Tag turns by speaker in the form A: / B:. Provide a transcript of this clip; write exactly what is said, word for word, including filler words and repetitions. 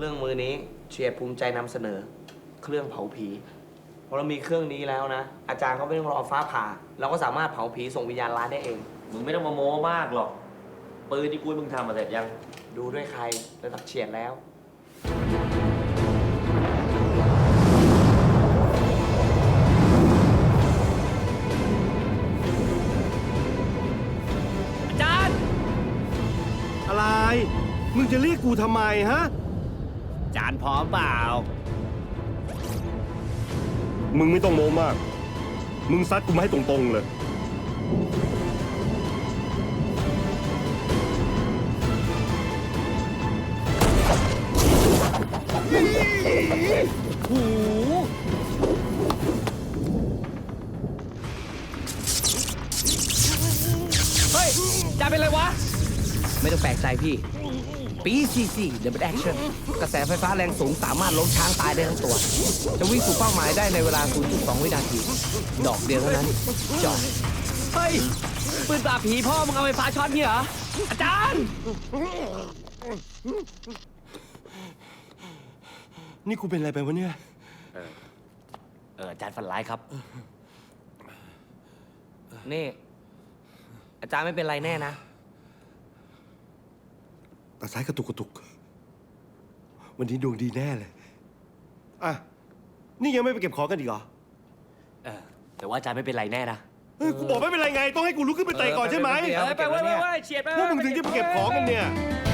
A: เรื่องมือนี้เชียร์ภูมิใจนำเสนอ เครื่องเผาผีพอเรามีเครื่องนี้แล้วนะ อาจารย์เขาไม่ต้องรอฟ้าผ่าเราก็สามารถเผาผีส่งวิญญาณร้ายได้เอง
B: มึงไม่ต้องมาโม้มากหรอกปืนที่กูให้มึงทำมาเสร็จยัง
A: ดูด้วยใครระดับเฉียดแล้ว
B: อาจารย์
C: อะไร มึงจะเรียกกูทำไมฮะ
B: อาจารย์พร้อมเปล่า
C: มึงไม่ต้องโม้มาก มึงซัดกูมาให้ตรงๆเลย
B: หูเฮ้ยอาจารย์เป็นไรวะ
A: ไม่ต้องแปลกใจพี่ ปี ซี ซี Double Action กระแสไฟฟ้าแรงสูงสามารถล้มช้างตายได้ทั้งตัว จะวิ่งสู่เป้าหมายได้ในเวลา ศูนย์จุดสอง วินาที ดอกเดียวเท่านั้นจอด
B: เฮ้ย ปืนปราบผีพ่อมึงเอาไฟฟ้าช็อตเนี่ยเหรอ อาจารย์
C: นี่กูเป็นอะไรไปวะเนี่ย
B: เออ เอออาจารย์ฝันร้ายครับ
A: นี่ อาจารย์ไม่เป็นไรแน่นะ
C: ตาซ้ายกระตุกกระตุก วันนี้ดวงดีแน่เลย อ่ะ นี่ยังไม่ไปเก็บของกันอีกเหรอ
B: เออ แต่ว่าอาจารย์ไม่เป็นไรแน่นะ
C: เฮ้ย กูบอกไม่เป็นไรไง ต้องให้กูลุกขึ้นไปเตะก่อนใช่ไหม
A: เออ
B: ไปไปไปไปเฉียดไป
C: พวกมึงถึงจะไปเก็บของกันเนี่ย
B: เ